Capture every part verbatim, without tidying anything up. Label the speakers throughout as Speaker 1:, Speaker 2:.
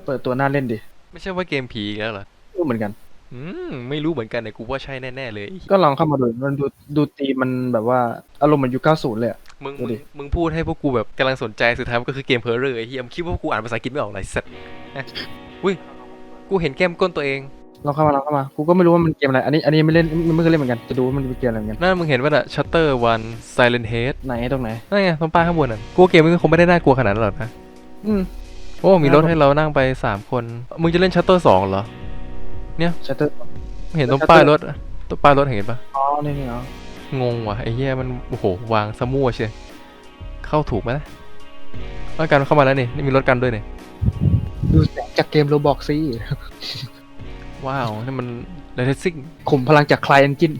Speaker 1: ปิดตัวน่าเล่นดิ
Speaker 2: ไม่ใช่ว่าเกมผีอีกแล้วเหรอ
Speaker 1: รู้เหมือนกัน
Speaker 2: อืมไม่รู้เหมือนกันแต่กูว่าใช่แน่ๆเลย
Speaker 1: ก็ลองเข้ามาดูมันดูดูตีมมันแบบว่าอารมณ์เหมือนยุคเก้าสิบเลยอะ
Speaker 2: มึงมึง
Speaker 1: ดูดิ
Speaker 2: มึงพูดให้พวกกูแบบกำลังสนใจสุดท้ายมันก็คือเกมเพอร์เรอร์ไอ้เหี้ยมึงคิดว่าพวกกูอ่านภาษาอังกฤษไม่ออกไรสัตว์นะอุ้ยกูเห็นแก้มก้นตัวเอง
Speaker 1: ลองเข้ามาลองเข้ามากูก็ไม่รู้ว่ามันเกมอะไรอันนี้อันนี้ไม่เล่นไม่เคยเล่นเหมือนกันจะดูว่ามันเป็นเกมอะไรเหมือนกัน
Speaker 2: นั่นมึงเห็นว่าน่ะ Shutter One Silent Head
Speaker 1: ไหนตรงไหน
Speaker 2: นั่นไงตรงป้ายข้างบนน่ะกูว่าเกมมันคงไม่ได้น่ากลัวขนาดนั้นหรอกนะ
Speaker 1: อืม
Speaker 2: โอ้มีรถให้เรานั่งไปสามคนมึงจะเล่น Shutter สองเหรอ
Speaker 1: ชัตเตอร์
Speaker 2: มึงเห็นตรงป้ายรถตรงป้ายรถเห็นปะ
Speaker 1: อ๋อนี่นี่อ๋อง
Speaker 2: งงว่ะไอ้เหี้ยมันโอ้โหวางซะมั่วเชียเข้าถูกไหมนะแล้วกันเข้ามาแล้วนี่นี่มีรถกันด้วยนี่
Speaker 1: ดูแสงจากเกมโรบอกซิ
Speaker 2: ว้าวนี่มันเรทซิ่ง
Speaker 1: ขุมพลังจากคลายเอนจิน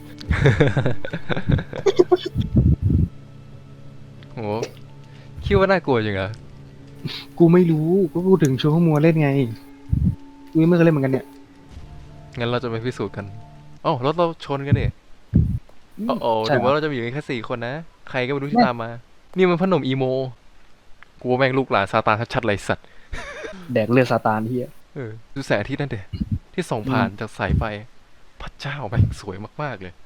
Speaker 2: โหคิดว่าน่ากลัวจริงเหรอ
Speaker 1: กูไม่รู้ก็พูดถึงโชว์ข้อมัวเล่นไงกูไม่เคยเล่นเหมือนกันเนี่ย
Speaker 2: งั้นเราจะไปพิสูจน์กันอ๋อรถเราชนกันดิโอ้โห
Speaker 1: ใช่
Speaker 2: ถึง
Speaker 1: เหรอ
Speaker 2: ว่าเราจะมีอยู่กันแค่สี่คนนะ ใครก็ไม่รู้ที่
Speaker 1: แม่
Speaker 2: ตามมา นี่มันพนมอีโมกูว่าแม่งลูกหลานซาตานชัดๆเลยสัตว์
Speaker 1: แดกเลือดซาตานที่
Speaker 2: เออดูแสงอาทิตย์นั่นเด็ที่ส่อง
Speaker 1: อืม
Speaker 2: ผ่านจากสายไฟพระเจ้าแม่งสวยมากๆเลย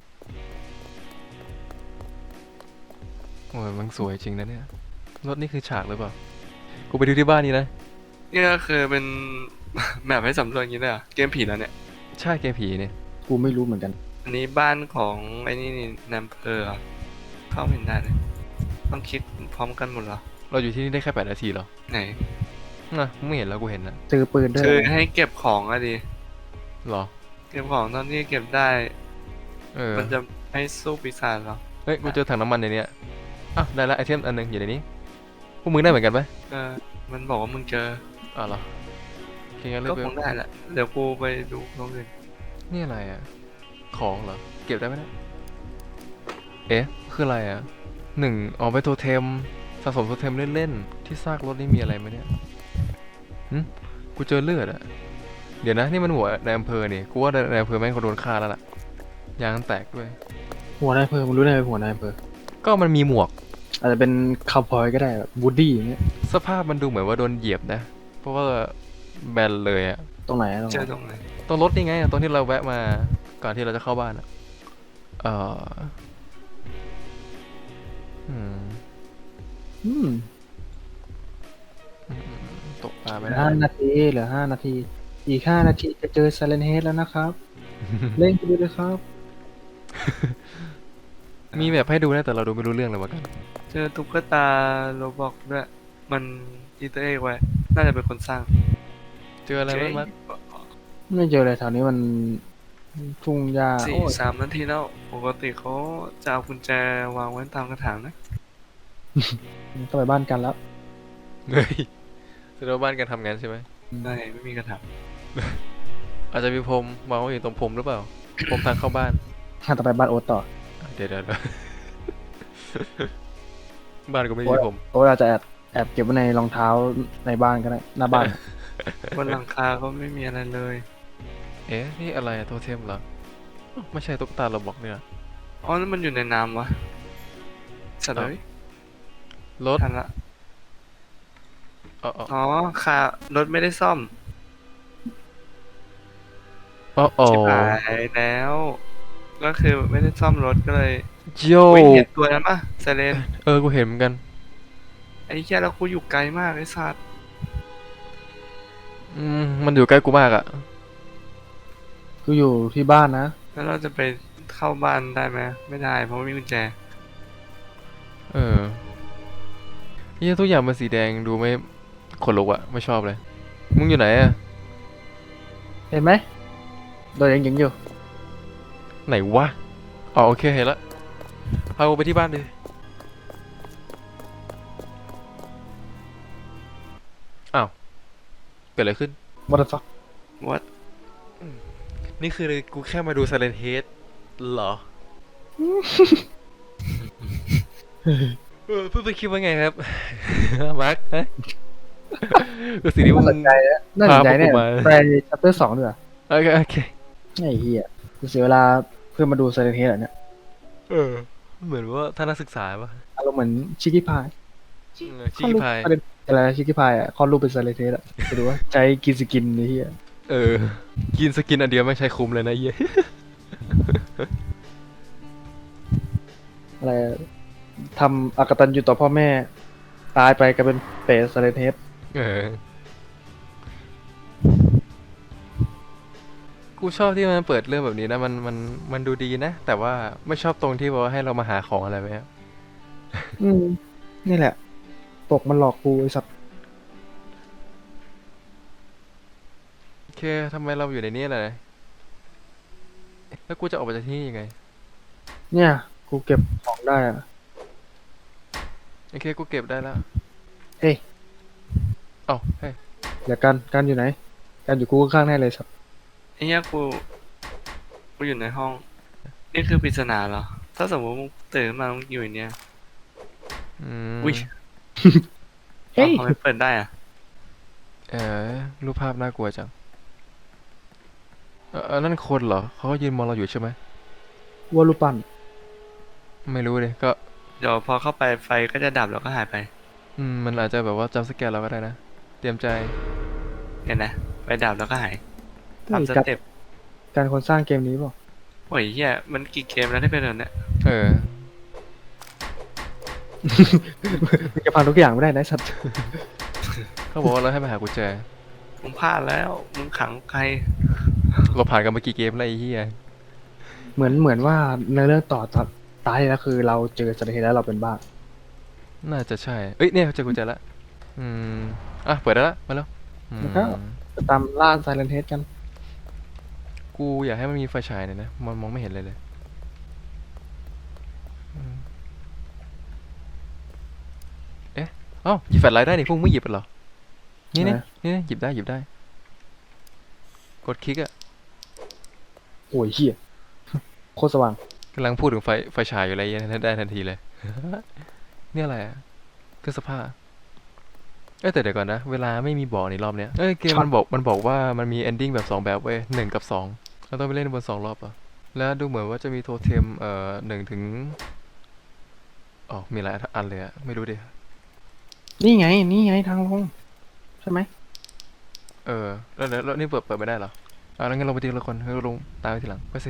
Speaker 2: โอ้ยมันสวยจริงนะเนี่ยรถนี่คือฉากหรือเปล่ากูไปดูที่บ้านนี้นะ
Speaker 3: นี่ก็คือเป็น แมปให้สำรวจอย่างนี้เลยเหรอเกมผีแล้วเนี่ย
Speaker 2: ใช่แกผีเนี่ย
Speaker 1: กูไม่รู้เหมือนกัน
Speaker 3: อันนี้บ้านของไอ้นี่นี่แนมเพอร์เหรอเข้าไม่เห็นได้เลยต้องคลิกพร้อมกันหมดเหรอ
Speaker 2: เราอยู่ที่นี่ได้แค่แปดนาทีเหรอ
Speaker 3: ไหน
Speaker 2: น่ะมึงไม่เห็นแล้วกูเห็นนะ
Speaker 1: ซื้อปืนด้วย
Speaker 3: คือ
Speaker 1: นะ
Speaker 3: ให้เก็บของอะดิ
Speaker 2: เหรอ
Speaker 3: เก็บของตอนที่เก็บได้
Speaker 2: เออ
Speaker 3: มันจะให้สู้ปีศาจเหรอ
Speaker 2: เฮ้ยกูเจอถังน้ำมันในเนี้ยอ้าวได้ละไอเทมอันหนึงอยู่ในนี้พวกมึงได้เหมือนกันไหม
Speaker 3: เออมันบอกว่ามึงเจอ
Speaker 2: อ้าวเหรอโอเคงั้นเลือ
Speaker 3: ก็
Speaker 2: กไป
Speaker 3: คงได้แหละเดี๋ยวกูไปดูตรงอื่น
Speaker 2: นี่อะไรอ่ะของเหรอเก็บได้ไหมเนี่ยเอ๊ะคืออะไรอ่ะหนึ่งอ๋อไปโทเทมสะสมโทเทมเล่นๆที่ซากรถนี่มีอะไรไหมเนี่ยหึกูเจอเลือดอ่ะเดี๋ยวนะนี่มันหัวในอำเภอนี่กูว่าในอำเภอแม่งเขาโดนฆ่าแล้วล่ะยางแตกด้วย
Speaker 1: หัวนายอำเภอมึงรู้ได้ไงหัวนายอำเภอ
Speaker 2: ก็มันมีหมวก
Speaker 1: อาจจะเป็นคาวบอยก็ได้แบบวูดดี้อย่างเงี้ย
Speaker 2: สภาพมันดูเหมือนว่าโดนเหยียบนะเพราะว่าแบนเลยอ่ะ
Speaker 1: ตรงไหนตรงไหน
Speaker 3: เจอตรงไหน
Speaker 2: ตรงรถนี่ไงตรงที่เราแวะมาก่อนที่เราจะเข้าบ้านอ่ะเอ่ออืม
Speaker 1: อืม
Speaker 2: ตกปลา
Speaker 1: เหลื
Speaker 2: ไม่ได้
Speaker 1: อห้านาทีเหลือห้านาทีอีกห้านาทีจะเจอ Silent Head แล้วนะครับเล่นไปดูเลยครับ
Speaker 2: มีแบบให้ดูนะแต่เราดูไม่รู้เรื่องเลยวะกัน
Speaker 3: เจอตุ๊กตาโรบอกด้วยมันอีเตอร์เอ็กไว้น่าจะเป็นคนสร้าง
Speaker 2: เจออะไรบ้างมั้ย
Speaker 1: ไม่เจอเลยแถวนี้มันทุ่งหญ้า
Speaker 3: สี่
Speaker 1: โอ้ย
Speaker 3: สามนาทีแล้วปกติเขาจะเอากุญแจวางไว้ตามกระถางนะ
Speaker 1: ต้องไปบ้านกันแล้ว
Speaker 2: เฮ้ยแสดงว่าบ้านกันทำงานใช่ไหม
Speaker 3: ไม่ไม่มีกระถาง
Speaker 2: อาจจะมีพรมวางไว้อยู่ตรงพรมหรือเปล่าพรมทางเข้าบ้าน
Speaker 1: ถ้าต่อไปบ้านโอ๊ตต่อ
Speaker 2: เดี๋ยวเดี๋ยวเดี๋ยวบ้านก็ไม่
Speaker 1: โอ๊ต
Speaker 2: มีพรม
Speaker 1: โอ๊ตอาจจะแอบแอบเก็บไว้ในรองเท้าในบ้านก็ได้หน้าบ้าน
Speaker 3: บนหลังคาก็ไม่มีอะไรเลย
Speaker 2: เอ๊ะนี่อะไรอะโทเทมเหรออ้าวไม่ใช่ตุ๊กตาเราบอกเนี่ย
Speaker 3: อ๋อนั่นมันอยู่ในน้ำวะสัตว์เลย
Speaker 2: รถ
Speaker 3: ทันละ
Speaker 2: อ๋ออ๋อ
Speaker 3: อ๋อคารถไม่ได้ซ่อม
Speaker 2: อ๋ออ๋อ
Speaker 3: ชิบหายแล้ว ก็คือไม่ได้ซ่อมรถก็เลย
Speaker 2: โย
Speaker 3: วิ่งเห็นตัวนั้นปะไซเรน
Speaker 2: เออกูเห็นเหมือนกัน
Speaker 3: ไอ้แค่แล้วกูอยู่ไกลมากไอ้สัตว์
Speaker 2: อืมมันอยู่ใกล้กูมากอะ
Speaker 1: กูอยู่ที่บ้านนะ
Speaker 3: แล้วเราจะไปเข้าบ้านได้ไหมไม่ได้เพราะไม่มีกุญแจ
Speaker 2: เออเฮียทุกอย่างมันสีแดงดูไม่ขนลุกอะไม่ชอบเลย มึงอยู่ไหนอะ
Speaker 1: เห็นไหมโดนยังยิงอยู่
Speaker 2: ไหนวะอ๋อโอเคเห็นละพากูไปที่บ้านดิอ้าวเกิดอะไรขึ้น
Speaker 1: what the fuck
Speaker 3: what
Speaker 2: นี่คือกูแค่มาดู Silent Head เหรอ เออเพื่อนไปคิดว่าไงครับ มาร์คฮะก็สิ่งที่มึ
Speaker 1: น่าง สนใจนะน่าสนใจเนี่ย
Speaker 2: พาพวกกูมา
Speaker 1: ไปชัปเตอร์สองดีกว่า
Speaker 2: โอเคโอเค
Speaker 1: ไอ้เหี้ยกูเสียเวลาเพื่อมาดู Silent Head เหรอเนี่ย
Speaker 2: เออเหมือนว่าท่านนักศึกษาปะ
Speaker 1: อารมณ์เหมือนชิคกี้พาย
Speaker 2: เออชิคกี้พาย
Speaker 1: เป็นอะไรชิคกี้พายอ่ะคลอดลูกเป็นไซเลนเทสอ่ะไปดูว่าใช้กินสกินนี่เฮีย
Speaker 2: เออ กินสกินอันเดียวไม่ใช้คุ้มเลยนะเหี้ย
Speaker 1: อะไรทำอากตันอยู่ต่อพ่อแม่ ตายไปก็เป็นเปรตไซเลนเทส
Speaker 2: เออ กูชอบที่มันเปิดเรื่องแบบนี้นะมันมันมันดูดีนะ แต่ว่าไม่ชอบตรงที่ว่าให้เรามาหาของอะไรแบบเนี้ย
Speaker 1: อืมนี่แหละปกมันหลอกกูไอ้สัตว์
Speaker 2: โอเคทำไมเราอยู่ในนี้เลยแล้วกูจะออกไปจากที่นี่ยังไง
Speaker 1: เนี่ย กูเก็บของได้อ่ะ
Speaker 2: โอเคกูเก็บได้แล้ว
Speaker 1: เฮ้ย
Speaker 2: เอ้าเฮ้ย
Speaker 1: เดี๋ยวกันกันอยู่ไหนกันอยู่กูข้างๆแน่เลยสัตว์
Speaker 3: ไอ้เนี้ยกูกูอยู่ในห้อง นี่คือปริศนาเหรอ ถ้าสมมติมึงตื่นขึ้นมามึงอยู่ในเนี้ย
Speaker 2: อืม
Speaker 3: อุ้ย
Speaker 1: เฮ้ย
Speaker 3: ทำไมเปิดได้อะ
Speaker 2: เออรูปภาพน่ากลัวจังเออเออนั่นคนเหรอเขาก็ยืนมองเราอยู่ใช่ไหม
Speaker 1: วัวรูปปั้น
Speaker 2: ไม่รู้เลยก็
Speaker 3: เดี๋ยวพอเข้าไปไฟก็จะดับแล้วก็หายไป
Speaker 2: อืมมันอาจจะแบบว่าจำสแกนเราก็ได้นะ เตรียมใจ
Speaker 3: เนี่ยนะไฟดับแล้วก็หายตามส
Speaker 1: การ
Speaker 3: เต็ป
Speaker 1: การคนสร้างเกมนี้เปล่า
Speaker 3: โอ้ยเฮียมันกี่เกมแล้วที่เป็นแบบเนี้ย
Speaker 2: เออ
Speaker 1: มึงจะพังทุกอย่างไม่ได้นะไอ้สัตว์
Speaker 2: เขาบอกว่าเราให้ไปหากุญแจ
Speaker 3: มึงพลาดแล้ว มึงขังใคร
Speaker 2: เราผ่านกันมากี่เกมแล้วไอ้เหี้ย
Speaker 1: เหมือนเหมือนว่าในเรื่องต่อตอนตายแล้วคือเราเจอไซเลนเทสแล้วเราเป็นบ้า
Speaker 2: น่าจะใช่ เอ้ยเนี่ยเจอกุญแจละอืมอ่ะเปิดได้ละมาแล้วอืม
Speaker 1: แล้วก็จะตามล่าไซเลนเทสกัน
Speaker 2: กูอยากให้มันมีไฟฉายหน่อยนะมันมองไม่เห็นเลยเลยอืมเอ๊ะเอ้าหยิบแฟลชไลท์ได้นี่พวกมึงไม่หยิบกันเหรอนี่นี่
Speaker 1: นะ
Speaker 2: นี่หยิบได้หยิบได้ กดคลิกอะ
Speaker 1: โอ้ยเฮีย โคตรสว่าง
Speaker 2: กำลังพูดถึงไฟไฟฉายอยู่อะไรเงี้ยได้ทันทีเลย นี่อะไรอะเครื่องซักผ้าเอ้ยแต่เดี๋ยวก่อนนะเวลาไม่มีบอกในรอบเนี้ยเอ้ยเกมมันบอกมันบอกว่ามันมี ending แบบสองแบบเว้ยหนึ่งกับสองเราต้องไปเล่นบนสองรอบเหรอแล้วดูเหมือนว่าจะมีโทเทมเอ่อหนึ่งถึงอ๋อมีหลายอันเลยอะไม่รู้ดิ
Speaker 1: นี่ไง นี่ไงทางลงใช่ไหม
Speaker 2: เออแล้วแล้วแล้วนี่เปิดเปิดไม่ได้เหรออ่าแล้วงั้นเราไปทีละคนให้ลงตามไปทีหลังไปสิ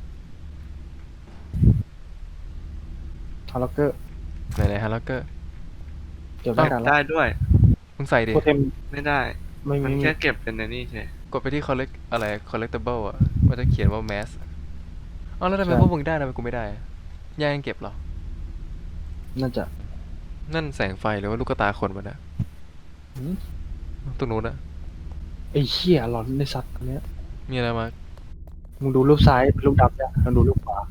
Speaker 1: ทาร์ล็อกเกอร์
Speaker 2: ไหนไหนฮะแล้วก็
Speaker 1: เก็บได้กันแล้ว
Speaker 3: ได้ด้วย
Speaker 2: มึงใส่ดิ
Speaker 1: โทเทม
Speaker 3: ไม่ได้
Speaker 1: ไม่
Speaker 3: มัน
Speaker 1: มี
Speaker 3: แค่เก็บเป็นในนี่ใช่
Speaker 2: กดไปที่ collect อะไร collectible อ่ะมันจะเขียนว่า mass อ๋อแล้วทำไมพวกมึงได้ทำไมกูไม่ได้อะย่ายังเก็บเหรอ
Speaker 1: น่าจะ
Speaker 2: นั่นแสงไฟหรือว่าลูกตาคนวะเนี่ย
Speaker 1: หืม
Speaker 2: ตรงนู้นอะ
Speaker 1: ไอ้เหี้ยหลอนในสัตว์อันเนี้ย
Speaker 2: มีอะไรมา
Speaker 1: มึงดูรูปซ้ายเป็นรูปดำเนี่ยลองดูรูปขวา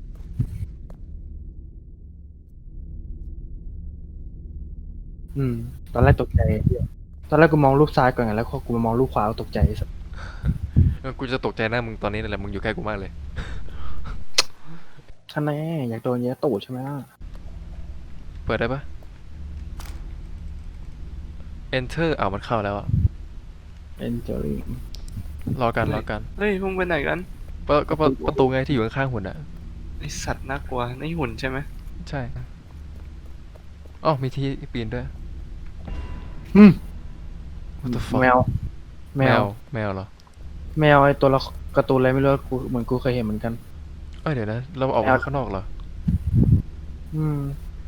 Speaker 1: อืม ตอนแรกตกใจเหี้ยตอนแรกกูมองรูปซ้ายก่อนไงแล้วพอกูมามองรูปขวาก็ตกใจไอ้สัตว์
Speaker 2: เออกูจะตกใจหน้ามึงตอนนี้นั่นแหละมึงอยู่ใกล้กูมากเลย
Speaker 1: ท่านแน่อยากโดนเยอะตูดใช่ไหมล่ะ
Speaker 2: เปิดได้ปะ enter อ้าวมันเข้าแล้วอะ
Speaker 1: entering
Speaker 2: รอกันรอกัน
Speaker 3: เฮ้ยมึงไปไหนกัน
Speaker 2: เปิดก็เปิดประตูไงที่อยู่ข้างๆหุ่นอะ
Speaker 3: ไอสัตว์น่ากลัวนี่หุ่นใช่ไหม
Speaker 2: ใช่อ๋อมีที่ปีนด้วย
Speaker 1: อืม
Speaker 2: What the fuck
Speaker 1: แมว แม
Speaker 2: แม
Speaker 1: ว
Speaker 2: วแมวเหรอ
Speaker 1: แมวไอตัวละการ์ตูนอะไรไม่รู้กูเหมือนกูเคยเห็นเหมือนกัน
Speaker 2: เอ้ยเดี๋ยวนะเราออก
Speaker 1: แม
Speaker 2: มาว ข้างนอกเหรอ
Speaker 1: อืม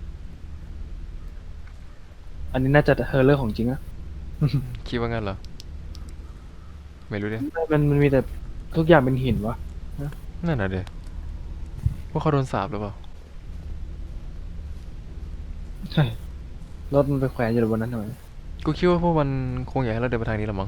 Speaker 1: อันนี้น่าจะเฮอร์เรอร์ของจริงอะ
Speaker 2: คิดว่างั้นเหรอ ไม่รู้ดิ
Speaker 1: มันมันมีแต่ทุกอย่างเป็นหินวะ
Speaker 2: นั่นน่ะเดี๋ยวว่าเขาโดนสาปหรือเปล่า
Speaker 1: ใช่ รถมันไปแขวนอยู่บนนั้นทำไม
Speaker 2: กูคิดว่าพวกมันคงอยากให้เราเดินไปทางนี้ละมั้ง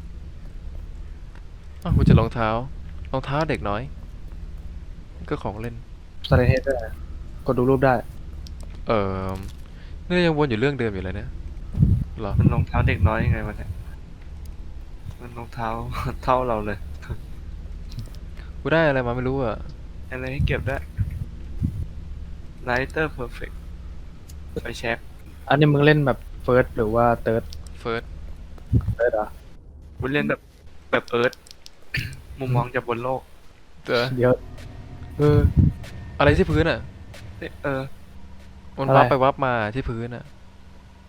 Speaker 2: อ้าวกูเจะรองเท้ารองเท้าเด็กน้อย ก็ของเล่น
Speaker 1: สไลด์เฮดด้วยกดดูรูปได้
Speaker 2: เออนี่ยังวนอยู่เรื่องเดิมอยู่เลยเนี่ยเหรอ
Speaker 3: มันรองเท้าเด็กน้อยยังไงวะเนี่ยมันรองเท้า เท่าเราเลย
Speaker 2: กูได้อะไรมาไม่รู้อ่ะ
Speaker 3: อะไรให้เก็บได้ Lighter Perfect ไปเช็ค
Speaker 1: อันนี้มึงเล่นแบบเฟิร์สหรือว่าเติร์ด
Speaker 2: first
Speaker 1: เติร์ดอ่ะ
Speaker 3: กูเล่นแบบแบบเอิร์ธ มุมมองจากบนโลก
Speaker 2: เออ
Speaker 1: เดี๋ยว เออ
Speaker 2: อะไรที่พื้นอ่ะ
Speaker 3: เออ
Speaker 2: มัน
Speaker 1: อะไร
Speaker 2: วับไปวับมาที่พื้นอ่ะ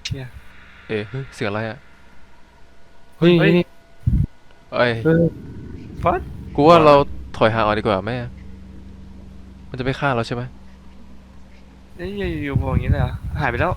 Speaker 3: เชี่ย
Speaker 2: เอ๊ะเฮ้ยเสียงอะไรอ่ะ
Speaker 1: เฮ้ย
Speaker 3: เฮ้ย
Speaker 1: นี่
Speaker 2: เอ้ย
Speaker 1: เฮ้ย
Speaker 3: ฟัด
Speaker 2: กูว่าเราถอยห่างออกดีกว่าแม่ มันจะไม่ฆ่าเราใช่ไหม
Speaker 3: เอ้ยอยู่ๆบอกอย่างนี้เลยเหรอหายไปแล้ว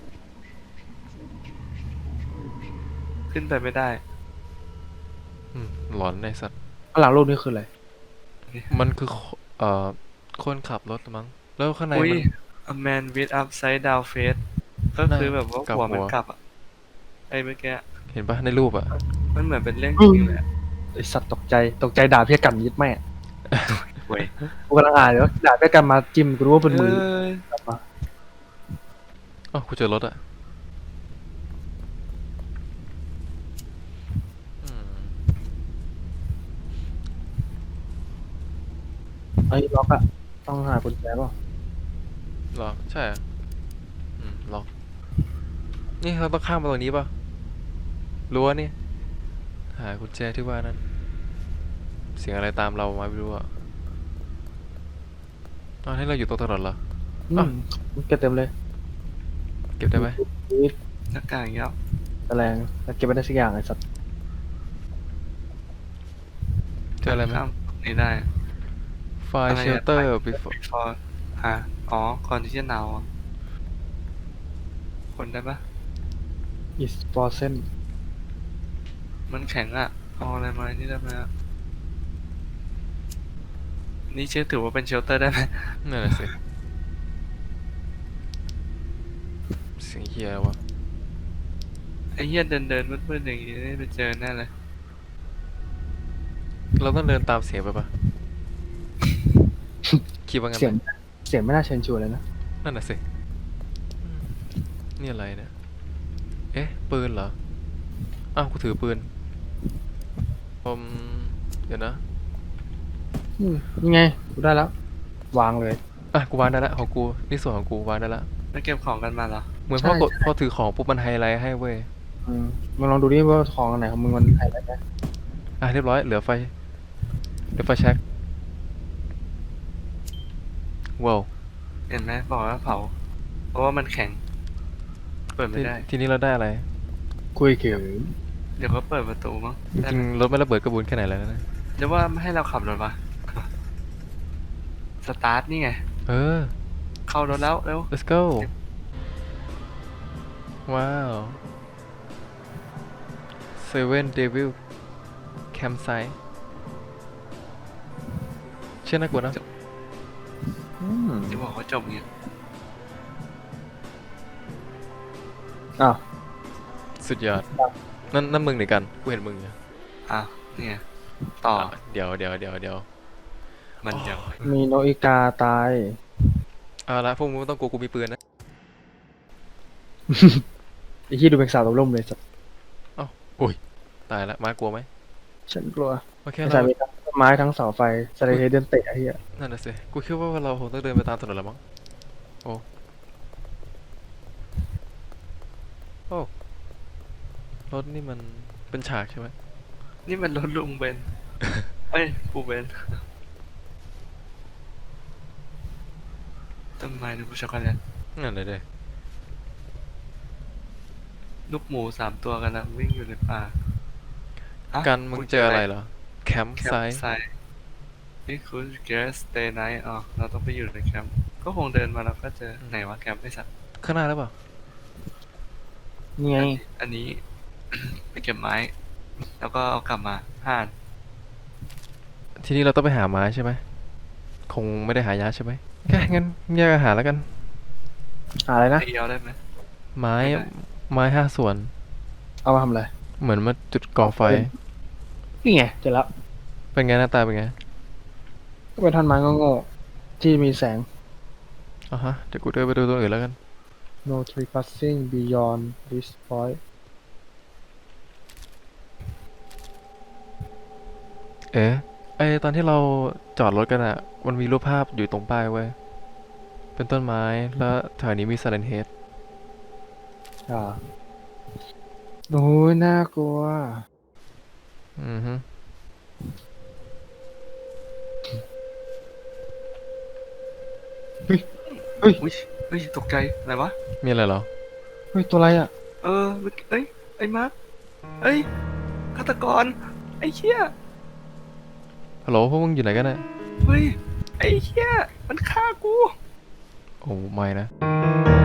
Speaker 3: ขึ้นไปไม่ได้
Speaker 2: อืมหลอนในสัตว์
Speaker 1: ข้างหลังรูปนี้คืออะไร
Speaker 2: มันคือคเอ่อคนขับรถมั้ง แล้วข้างใน
Speaker 3: อุ้ย
Speaker 2: มัน
Speaker 3: a man with upside down face ก็คือแบบว่า
Speaker 2: กลับ
Speaker 3: หัวมัน
Speaker 2: หัว
Speaker 3: กลับอ่ะไอ้เมื่อกี้
Speaker 2: เห็นปะในรูปอ่ะ
Speaker 3: มันเหมือนเป็นเรื่อง
Speaker 1: อื
Speaker 3: จริ
Speaker 1: ม
Speaker 3: งเลยอะ
Speaker 1: ไอสัตว์ตกใจตกใจด่าเพี้ยกันยิดแม่
Speaker 3: เว้ย
Speaker 1: กูกำลังอ่านอยู่ว่าด่าเพี้ยกันมาจิ้มกูรู้ว่าเป็นมือ
Speaker 3: เอ้ย
Speaker 1: กลับมา
Speaker 2: อ๋อกูเจอรถอ่ะอืม
Speaker 1: ไอ้ยล็อกอะต้องหากุญแจเปล่า
Speaker 2: หรอ ใช่อะอืมล็อก นี่เราต้องข้ามมาตรงนี้ปะรั้วนี่ หากุญแจที่ว่านั่น เสียงอะไรตามเรามาไม่รู้อ่ะอ๋อให้เราอยู่ตรงถนนเหรอ
Speaker 1: อื
Speaker 2: อ่ะ
Speaker 1: มเก็บเต็มเลย
Speaker 2: เก็บได้ไหม
Speaker 1: นี่
Speaker 3: หน้ากากอย่างเงี้ย
Speaker 1: แมลงแล้วเก็บไม่ได้สักอย่างไอ้สัตว์
Speaker 2: เจออะไรไหม
Speaker 3: ข้ามนี่ได้
Speaker 2: ไฟล์เชลเตอร์ before
Speaker 3: before ฮะอ๋อ ก่อนที่จะหนาวอะคนได้ปะ
Speaker 1: is frozen
Speaker 3: มันแข็งอ่ะ เอาอะไรมานี่ได้ไหมอะนี่เชื่อถือว่าเป็นเชลเตอร์ได้ไหม
Speaker 2: นั่นแหละสิ เสียงเฮียวะ
Speaker 3: ไอ้เหี้ยเดินเดินมืดๆอย่างงี้ได้ไปเจอแน่เลย
Speaker 2: เราต้องเดินตามเสียงไปปะ คิดว่างั้น
Speaker 1: เสียง
Speaker 2: ไหม
Speaker 1: เสียงไม่น่าเชิญชวนเลยนะ
Speaker 2: นั่นน่ะสิอืมนี่อะไรเนี่ย เอ๊ะ ปืนเหรอ อ้าว กูถือปืนผมเดี๋ยวนะ
Speaker 1: อืมนี่ไงกูได้แล้ว วางเลย
Speaker 2: อ่ะ กูวางได้ละของกู นี่ส่วนของกูวางได้ละ
Speaker 3: แล้วเก็บของกันมาเหรอ
Speaker 2: เหมือน
Speaker 1: ใช่
Speaker 2: พอกด
Speaker 1: ใช่
Speaker 2: พอถือของปุ๊บมันไฮไลท์ให้เว้ย
Speaker 1: อืมมึงลองดูดิว่าของอันไหนของมึงมันไฮไลท์ได้
Speaker 2: อ่ะ เรียบร้อย เหลือไฟ เหลือไฟแช็กว้าว
Speaker 3: เห็นไหมบอกว่าเผา เพราะว่ามันแข็ง เปิดไม่
Speaker 2: ที
Speaker 3: ได้
Speaker 2: ทีนี้เราได้อะไร
Speaker 1: คุยเขียว
Speaker 3: เดี๋ยวเขาเปิดประตูมั้ง
Speaker 2: จ
Speaker 3: ได้
Speaker 2: ริง
Speaker 3: ไหม
Speaker 2: ๆรถไม่ระเบิดกระบุนแค่ไหนแล้วนะ
Speaker 3: เดี๋ยวว่าไม่ให้เราขับรถวะ สตาร์ทนี่ไง
Speaker 2: เออ
Speaker 3: เข้ารถแล้วเร็ว
Speaker 2: let's go ว้าว Seven Devil Campsite เชื่อน่ากลัวนะ
Speaker 1: อืม
Speaker 3: จะบอกว่าจบเงี้ย
Speaker 1: อ้าว
Speaker 2: สุดยอด นั่นนั่นมึงหรือกัน กูเห็นมึงอยู่
Speaker 3: อ้าวเนี่ย ต่อ
Speaker 2: อ่ะเดี๋ยวเดี๋ยวเดี๋ยวเดี๋ยว
Speaker 3: มันยัง
Speaker 1: มีโนอิกาตาย
Speaker 2: เอาละพวกมึงไม่ต้องกลัวกูมีปืนนะ
Speaker 1: ไอ้ที่ดูเป็นสาวตกล่มเลยสัตว์
Speaker 2: อุ้ย ตายละมากลัวไหม
Speaker 1: ฉันกลัว
Speaker 2: โอเค
Speaker 1: ไอ้
Speaker 2: เรา
Speaker 1: สายมีทั้งต้นไม้ทั้งเสาไฟสไลเดอร์เดินเตะไอ้เหี้ย
Speaker 2: นั่นน่ะสิ กูคิดว่าเราคงต้องเดินไปตามถนนแล้วมั้ง โอ้ โอ้ รถนี่มันเป็นฉากใช่ไหม
Speaker 3: นี่มันรถลุงเบน เอ้ยปูเบน ต้นไม้ลูกช็อกโกแลต
Speaker 2: นั่นเลยเด้
Speaker 3: ลูกหมูสามตัวกันนะวิ่งอยู่ในป่าอ่ะ
Speaker 2: กันมึงเจออะไรเหรอ แคมป์
Speaker 3: แค
Speaker 2: ไซ
Speaker 3: มป์
Speaker 2: ต์
Speaker 3: ไซต์นี่คือ guest stay night อ๋อเราต้องไปอยู่ในแคมป์ก็คงเดินมาแล้วก็เจอไหนวะแคมป์ไอ้สัตว์
Speaker 2: ข้างหน้าหรือเปล่า
Speaker 1: นี่ไง
Speaker 3: อันนี้ ไปเก็บไม้ แล้วก็เอากลับมาห่าน
Speaker 2: ทีนี้เราต้องไปหาไม้ใช่ไหม คงไม่ได้หายาใช่ไหมแค่งั้นแยกอาหารแล้วกัน
Speaker 1: หาอะไรนะ
Speaker 3: เดียวได้ไหม
Speaker 2: ไม้
Speaker 3: ไม่ได้
Speaker 2: ไม้ห้าส่วน
Speaker 1: เอามาทำอะไร
Speaker 2: เหมือนมาจุดก่อไฟ
Speaker 1: นี่ไงเจอแล้ว
Speaker 2: เป็นไงหน้าตาเป็นไง
Speaker 1: ก็เป็นท่อนไม้โง่ๆที่มีแสง
Speaker 2: อ่ะฮะ เดี๋ยวกูเดินไปดูตัวอื่นแล้วกัน
Speaker 1: no trespassing beyond this point
Speaker 2: เอ๊ะไอตอนที่เราจอดรถกันอะมันมีรูปภาพอยู่ตรงป้ายเว้ย เป็นต้นไม้ แล้วแถวนี้มี Silent Head
Speaker 1: อ่าโอ้ยน่ากลัว
Speaker 2: อือฮึ
Speaker 3: อุ้ยอุ้ยตกใจอะไรวะ
Speaker 2: มีอะไรเหรอ
Speaker 1: เฮ้ยตัวอะไรอ่ะ
Speaker 3: เออเมื่อกี้เอ้ยไอ้มาร์คเอ้ยฆาตกรไอ้เหี้ย
Speaker 2: ฮัลโหลพวกมึงอยู่ไหนกันนะ
Speaker 3: เฮ้ยไอ้เหี้ยมันฆ่ากู
Speaker 2: โอ้ไม่นะ
Speaker 3: ไ